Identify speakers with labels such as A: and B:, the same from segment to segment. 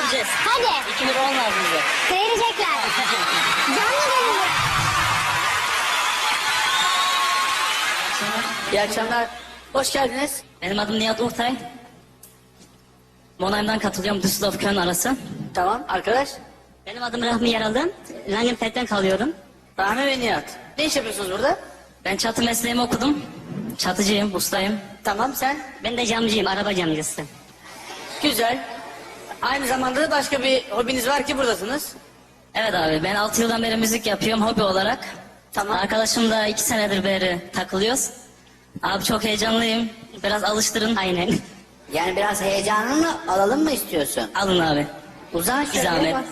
A: Göreceğiz.
B: Hadi.
A: 2 lira olmaz bize.
B: Verecekler. Canlı gönüllü.
C: İyi akşamlar. Hoş geldiniz.
A: Benim adım Nihat Urtay. Monheim'dan katılıyorum, Düsseldorf Köln arası.
C: Tamam arkadaş.
A: Benim adım Rahmi Yaralı. Langenfeld'den kalıyorum.
C: Rahmi ve Nihat. Ne iş yapıyorsunuz burada?
A: Ben çatı mesleğimi okudum. Çatıcıyım, ustayım.
C: Tamam sen.
A: Ben de camcıyım, araba camcısı.
C: Güzel. Aynı zamanda da başka bir hobiniz var ki buradasınız.
A: Evet abi, ben 6 yıldan beri müzik yapıyorum hobi olarak.
C: Tamam.
A: Arkadaşımla 2 senedir beri takılıyoruz. Abi çok heyecanlıyım. Biraz alıştırın. Aynen.
D: Yani biraz heyecanını alalım mı istiyorsun?
A: Alın abi.
D: Uzan
A: Bir
D: şöyle.
A: zahmet.
D: bak.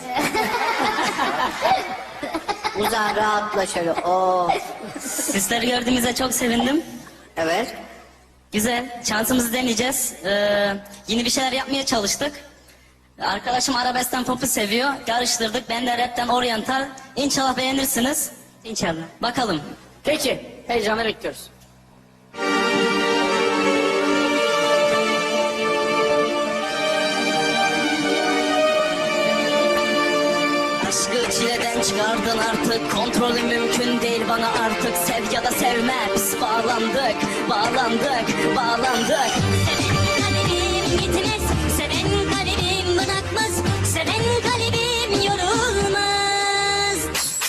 D: Uzan rahatla şöyle. Oo.
A: Sizleri gördüğümüze çok sevindim.
D: Evet.
A: Güzel. Şansımızı deneyeceğiz. Yeni bir şeyler yapmaya çalıştık. Arkadaşım arabeskten popu seviyor. Karıştırdık. Ben de rapten oryantal. İnşallah beğenirsiniz. İnşallah. Bakalım.
C: Peki. Heyecanla bekliyoruz.
A: Aşkı çileden çıkardın artık. Kontrolü mümkün değil bana artık. Sev ya da sevme. Biz bağlandık. Bağlandık. Bağlandık.
E: Seven kalbim gitmez, seven kalbim bırakmaz, seven kalbim yorulmaz.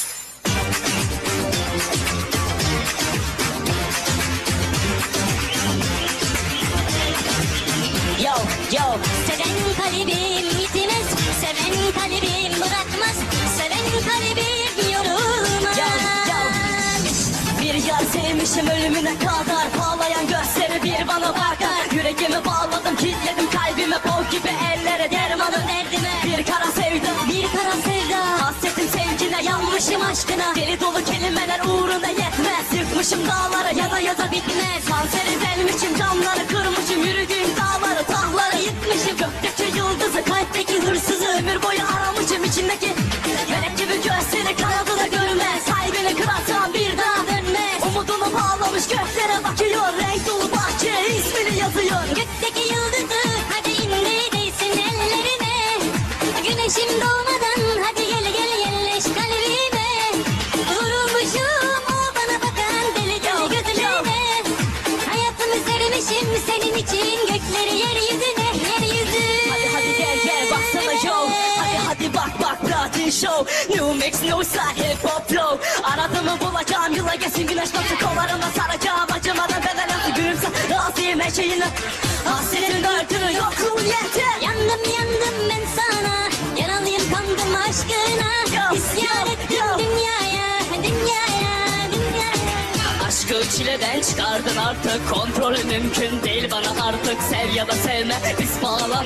A: Yo yo.
E: Seven kalbim gitmez, seven kalbim bırakmaz, seven kalbim yorulmaz.
A: Yo yo. Bir yar sevmişim ölümüne kadar. Bağlayan gözleri bir bana bakar. Yüreğimi bağladım, kilitledim kalbimi. Bol gibi ellere dermanım derdime. Bir kara sevda,
E: Bir kara sevda,
A: hasretim sevgine, yanmışım aşkına. Deli dolu kelimeler uğruna yetmez. Yıkmışım dağları, yaza bitmez. Kanseri delmişim, camları kırmışım. Yürüdüğüm dağları, tahları yıkmışım. Gökteki yıldızı, kalpteki hırsızı ömür boyu aramışım. İçindeki melek gibi gözleri kanadı da görmez. Kalbini kırarsan bir daha dönmez. Umudunu bağlamış göklere bakıyor. Renk dolu bahçe ismini yazıyor.
E: gökteki yıldızı hadi indir değsin ellerime. Güneşim doğmadan hadi gel gel yerleş kalbime. Vurulmuşum o bana bakan deli deli gözlerine. Hayatımı sermişim senin için gökleri yeryüzüne yeryüzü.
A: Hadi gel baksana yo. Hadi bak Platin Show. New mix no side hip hop flow. Aradığımı bulacağım, yıla geçsin güneş batı kollarımda saracağım. Acımadan bedel altı gülümse razıyım her şeyine. Hasretin öldürür yokluğun yeter.
E: Yandım ben sana, yaralıyım kandım aşkına. İsyan ettim dünyaya.
A: Aşkı çileden çıkardın artık. Kontrolü mümkün değil bana artık. Sev ya da sevme biz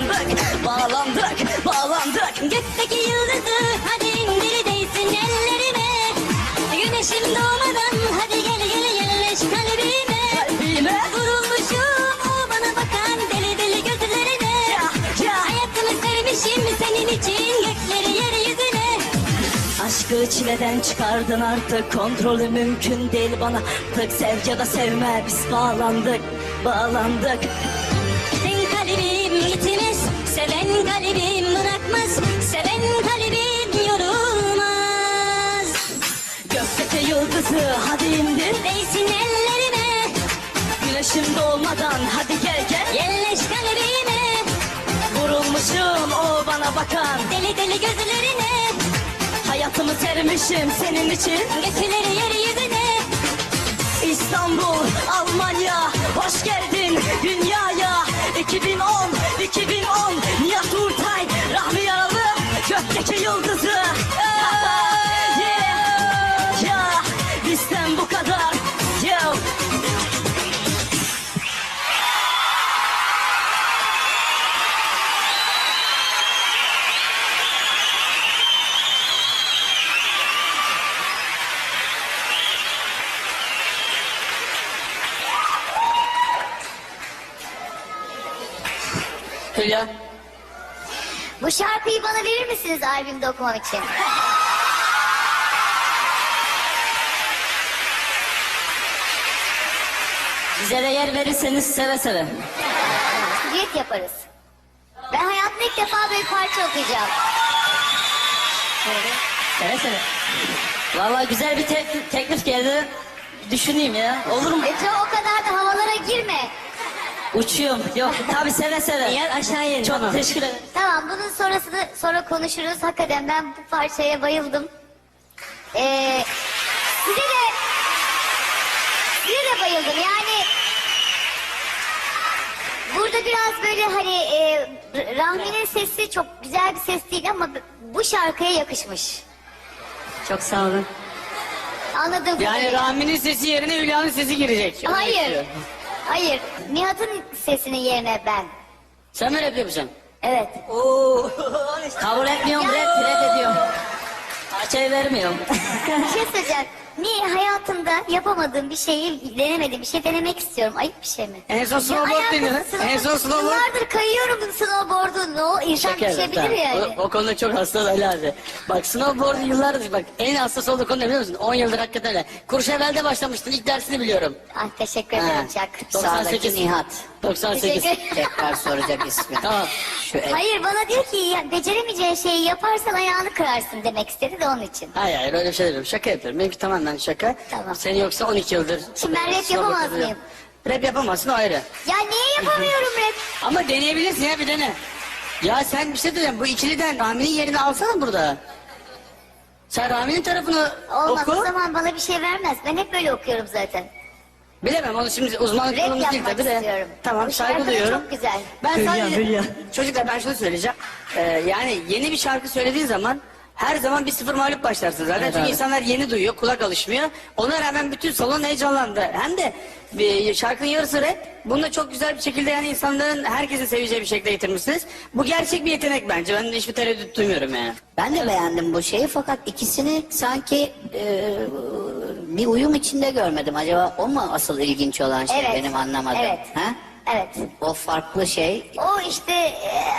A: bağlandık.
E: Gökteki yıldızı hadi indir değsin ellerime. Güneşim doğmadan hadi gel yerleş kalbime. Vurulmuşum o bana bakan deli deli gözlerine. Hayatımı sermişim senin için gökleri yeryüzüne.
A: Aşkı çileden çıkardın artık. Kontrolü mümkün değil bana artık. Sev ya da sevme biz bağlandık.
E: Sen kalbim gitmez, seven kalbim bırakmaz, seven kalbim yorulmaz.
A: Gökteki yıldızı hadi indir.
E: Değsin ellerime,
A: Güneşim doğmadan hadi gel
E: yerleş kalbime.
A: Vurulmuşum o bana bakan.
E: Deli deli gözlerine,
A: Hayatımı sermişim senin için.
E: gökleri yeryüzüne.
A: İstanbul, Almanya, hoş geldin dünyaya. 2010, Nihat Urtay, Rahmi Yaralı, gökteki yıldızı. Yeah, bizden bu kadar. Yeah.
C: Hülya.
B: Bu şarkıyı bana verir misiniz albümde okumam için?
A: Bize de yer verirseniz seve seve.
B: Düet yaparız. Ben hayatımda ilk defa böyle parça okuyacağım.
C: Seve seve. Valla güzel bir teklif geldi. Düşüneyim ya. Olur mu?
B: O kadar da havalara girme.
C: Uçuyorum. Yok tabii seve seve.
A: Yer aşağıya in.
C: Çok
A: Tamam.
C: teşekkür ederim.
B: Tamam, bunun sonrasını sonra konuşuruz. Hakikaten ben bu parçaya bayıldım. Size de bayıldım. Yani burada biraz böyle hani Rahmi'nin sesi çok güzel bir ses değil ama bu şarkıya yakışmış.
A: Çok sağ olun.
B: Anladım.
C: Yani Rahmi'nin sesi yerine Hülya'nın sesi girecek.
B: Hayır. Hayır. Nihat'ın sesinin yerine ben.
C: Sen mi rap yapacaksın?
B: Evet.
C: Oo. Kabul etmiyorum, red ediyorum. Parçayı vermiyorum.
B: Bir şey söyleyeceğim. Niye hayatımda yapamadığım bir şeyi denemediğim bir şey denemek istiyorum. Ayıp bir şey mi?
C: En son snowboard deniyor. En son snowboard.
B: Yıllardır kayıyorum snowboard'u. Ne o insan
C: Şaka
B: düşebilir
C: yapıyorum,
B: yani.
C: tamam. O konuda çok hassas Ali abi. Bak snowboard yıllardır bak en hassas olduğu konu ne biliyor musun? 10 yıldır hakikaten öyle. Kurşevel'de başlamıştın ilk dersini biliyorum.
B: Ah, teşekkür ederim Çak.
D: Sağdaki
C: 98.
D: Nihat.
C: 98.
B: Teşekkür-
D: Tekrar soracak ismi.
C: Tamam.
D: Şu
B: Hayır, bana diyor ki ya, beceremeyeceğin şeyi yaparsan ayağını kırarsın demek istedi de onun için.
C: Hayır öyle bir şey demiyorum. Şaka yapıyorum. Benimki tamamen şaka.
B: Tamam.
C: Seni yoksa 12 yıldır.
B: Şimdi ben rap
C: snowboard
B: yapamaz
C: yapıyorum.
B: mıyım?
C: Rap yapamazsın o ayrı.
B: Ya niye yapamıyorum rap?
C: Ama deneyebilirsin ya bir dene. Ya sen bir şey diyeceğim. Bu ikiliden Rami'nin yerini alsana burada. Sen Rami'nin tarafını
B: Olmaz,
C: oku.
B: o zaman bana bir şey vermez. Ben hep böyle okuyorum zaten.
C: Bilemem onu şimdi uzmanlık
B: Rap
C: konumuz değil
B: yapmak
C: tabii de.
B: istiyorum.
C: Tamam
B: Bu
C: saygı
B: şarkı da
C: duyuyorum.
B: çok güzel.
C: Ben
A: Hülya,
C: sadece
A: Hülya.
C: çocuklar ben şunu söyleyeceğim. Yani yeni bir şarkı söylediğin zaman her zaman bir sıfır mağlup başlarsın zaten.
A: Evet
C: Çünkü
A: abi.
C: insanlar yeni duyuyor, kulak alışmıyor. Ona rağmen bütün salon heyecanlandı. Hem de bir şarkının yarısı rap. Bunu da çok güzel bir şekilde yani insanların herkesin seveceği bir şekilde getirmişsiniz. Bu gerçek bir yetenek bence. Ben de hiçbir tereddüt duymuyorum yani.
D: Ben de beğendim bu şeyi fakat ikisini sanki bir uyum içinde görmedim. Acaba o mu asıl ilginç olan şey
B: Evet.
D: benim anlamadığım?
B: Evet.
D: Ha?
B: Evet.
D: O farklı şey.
B: O işte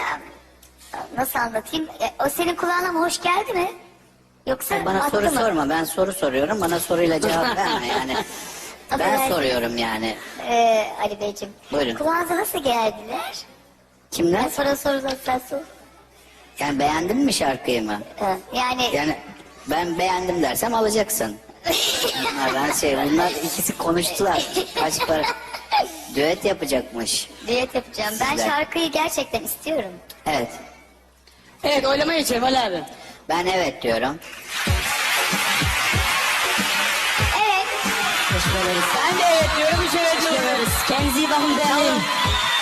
B: nasıl anlatayım? O senin kulağına mı hoş geldi mi? Yoksa
D: Bana
B: attı
D: soru
B: mı?
D: sorma. Ben soru soruyorum. Bana soruyla cevap verme yani. Ben
B: Affedersin.
D: soruyorum yani.
B: Ali Beyciğim.
D: Buyurun.
B: Kulağınıza nasıl geldiler?
D: Kimler?
B: Ben sonra sen sor.
D: Yani beğendin mi şarkıyı mı?
B: Yani
D: Yani ben beğendim dersem alacaksın. Bunlar ikisi konuştular. Kaç para? Düet yapacakmış.
B: düet yapacağım. Ben
D: Sizler.
B: şarkıyı gerçekten istiyorum.
D: Evet.
C: Evet oylama geçelim Ali abi.
D: Ben evet diyorum.
B: Evet.
C: Ben de evet diyorum, üç evet diyorum.
A: Kendinize iyi bakın beğenin.